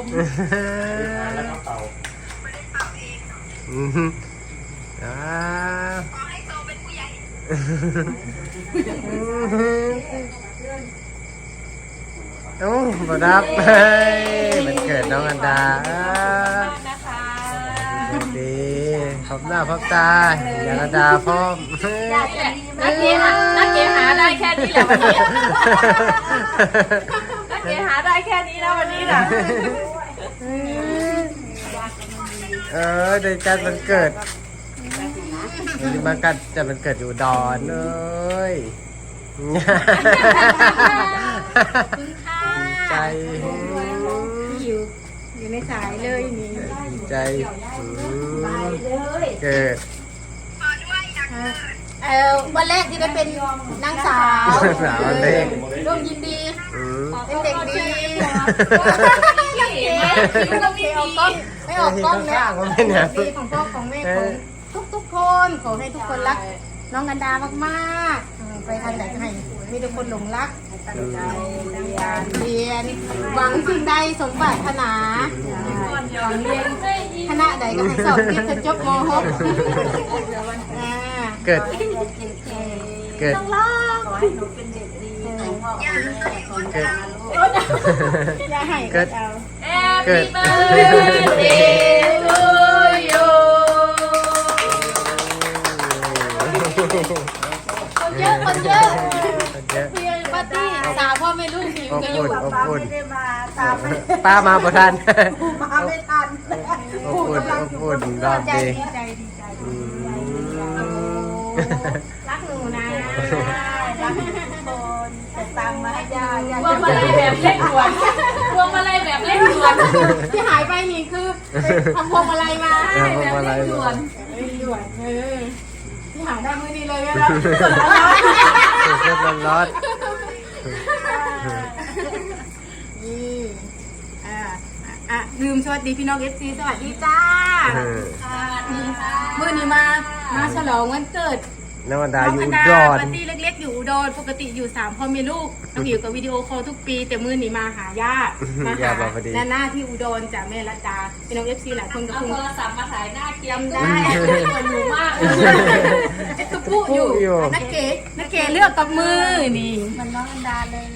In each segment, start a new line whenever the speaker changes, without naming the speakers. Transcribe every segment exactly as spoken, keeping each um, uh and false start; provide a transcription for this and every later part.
แล้วก็เป่า
อืมอ่า
ขอให้โตเป็นผู้ใหญ่
โอ้มารับเฮ้ยมันเกิดน้องอันดาดีพบหน้าพบตาอย่าอันดาพร้อม
นักเกหานักเกหาได้แค่นี้แหละวันนี้นักเกหาได้แค่นี้นะวันนี้นะ
เออในการมันเกิดมันมากันจะมันเกิดอยู่ดอนเลยใจ
อยู่อยู่ในสายเลยนี่
ใจเกิด
เออวันแรกที่ได้เป็นนางสาว
สาวเด็ก
ร่วมยินดีเป็นเด็กดีไม่ออกกล้องแล้วดีของพ่อของแม่ของทุกทุกคนขอให้ทุกคนรักน้องกันดามากๆไปทางไหนก็ให้มีทุกคนหลงรักเรียนหวังสิ่งใดสมปรารถนาหวังเรียนคณะใดก็ให้สอบติดจบม หก
เกิดเกิด
ต้องร้องขอให้หนูเป็นเด็กดีเกิดอย่าให้เกิดเกิดคนเยอะคนเยอะปาร์ตี้สาวพ่อไม่ลูกอยู่กันอยู่ป้าไม่ได้มาตาม
ป้ามาประทาน
มาไม่ทัน
อบอุ่นอบอุ่นรอบดี
ดีใจดีใจรักหนูนะรักทุกคนแต่ตังมาให้ย่าย่าพวงมาลัยแบบเล่นด่วนพวงมาลัยแบบเล่นด่วนที่หายไปนี่คือทำพวงมาลัยมาแบบเล่นด่วนเล่นด่วนเออที่หาได้มื้อนี้เลยนะ
เกิดร้อนร้อน
นี่อ่าอ่ะลืมสวัสดีพี่น้องเอฟซีสวัสดีจ้ามื้อนี้มามาฉลองวันเกิด
น้องอันดาอยู่อุดร
ปาร์ตี้เล็กๆอยู่อุดรปกติอยู่สามพ่อแม่ลูกต้องอยู่กับวิดีโอคอลทุกปีแต่มื้อนี้มาหาญาติมาหาหน้าที่อุดรจากแม่รัตดาพี่น้องเอฟซีหลายคนก็คงโทรศัพท์มาถ่ายหน้าเกียมได้คนอยู่มากไอ้ตุ๊ปุ๊อยู่นักเก๋นักเก๋เลือกกับมือนี่มันน้องอันดาเลย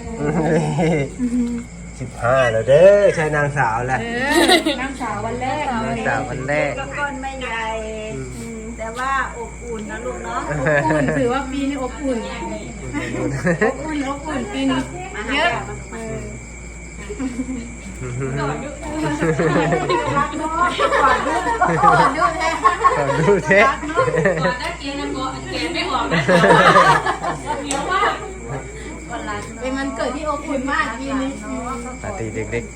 สิบห้าแล้วเด้อใช่นางสาวแหละ
นางสาววันแรก
นางสาววันแรก
ก้อนไม่ใหญ่แต่ว่าอบอุ่นนะลูกเนาะ
อบอุ่นถือว่าปีนี้อบอุ่นอบอุ่นอบอุ่นปีนี้เยอะก่อนดูก่อนดูก่อนดูแท้
ก่อนดูแท้
ก่อนได้เกียร์นะก่อนเกียร์ไม่ออกนะเหนียวมากเป็นมันเกิดที่อบอุ่นมากปีนี้
ปาร์ตี้เด็กๆ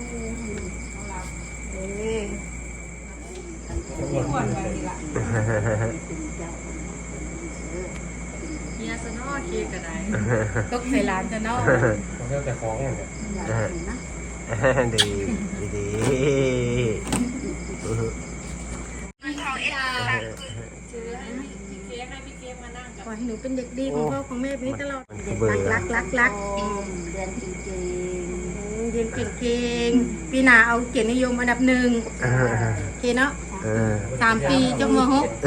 เฮียสนอเค้กก็ได้ตกใส่ร้านจะนอ
เรื่องแต่ของอย่างเนี้
ยดีดี
ขอให้หนูเป็นเด็กดีของพ่อของแม่พี่ตลอดรักรักรักเรียนจริงๆเรียนเก่งๆปีหน้าเอาเกียรตินิยมอันดับหนึ่งโอเคเนาะสามปีจบมหก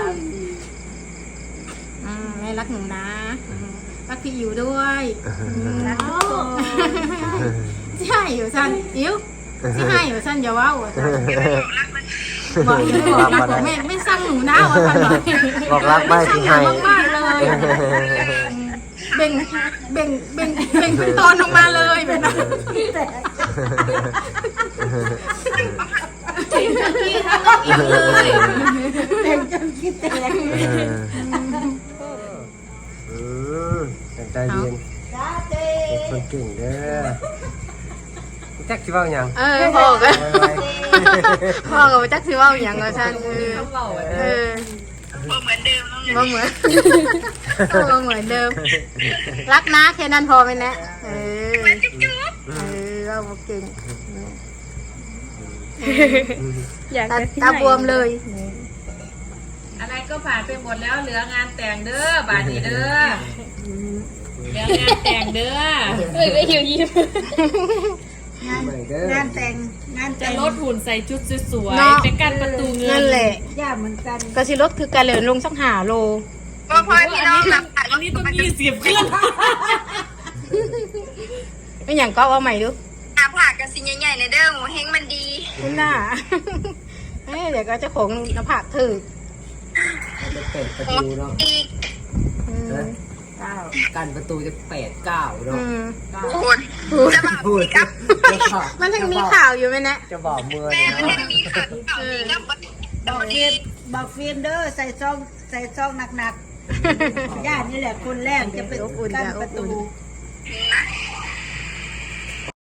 แม่รักหนูนะรักพี่อิ๋วด้วยรักทุกคนใช่อยู่สั้นอิ๋วที่ให้อยู่สั้นอย่าว้าวบอกบอกรักบอกแม่ไม่สั่งหนูนะว่าสั่งหน่อย
บอกรักไม่ที่ให้
มากเลยเบ่งเบ่งเบ่งเบ่งเป็นตอนออกมาเลยแบบนั้นเบ่งจนขี้ทั้งอิ่มเลยเบ่งจนขี้แตก
อืมใจเย็นเป็นคนเก่งเด้อจักสิว่าอย่าง
เออพ่อก็พ่อก็จักสิว่าอย่างก็ฉันเออเออ
บ่เหมือนเดิม
บ่เหมือนบ่เหมือนเดิมรักนะแค่นั้นพอไหมนะเออเออเราเก่งตาบวมเลยอะไรก็ผ่านไปหมดแล้วเหลืองานแต่งเด้อบาดนี้เด้อเหลืองานแต่งเด้อเฮ้ยไม่หิวยิ้ม
งาน
ใหม่เด้อง
านแต่งงาน
จะ
แต่ง
ลดหุ่นใส่ชุดสวย
เนาะ
ๆไปกันประตูเงิน
นั่นแหละ
ย่าเหมือนกัน
ก็สิลดคือการเหลือลงสักหาโล
พ่อพ่อพี่น้องนะ
อันนี้ต้องยี่สิบขึ้น
ไม่อย่างก็เอาใหม่ดู
หาผักกันสิใหญ่ๆในเด้อหมูเฮงมันดี
คุณน่า เอ้ยเดี๋ยวก็เจะของหน้าผากถือ
จะเปิดประตูเนาะ
อีก
อืม
เก้า
กันประตูจะแปดเก้าเนาะ
อืม
คุณจะบอก
พูด
ครับ
มันยังมีข่าวอยู่ไหมนะ
จะบอกเมื่อ
แม่
เลย
มัน
เนาะ
ยังมีข่าวข่าวนี้ครับ
บอกฟิล์มบอกฟิล์มเด้อใส่ซองใส่ซองหนักๆย่านี่แหละคนแรกจะเป็นกั้นประตู
นะ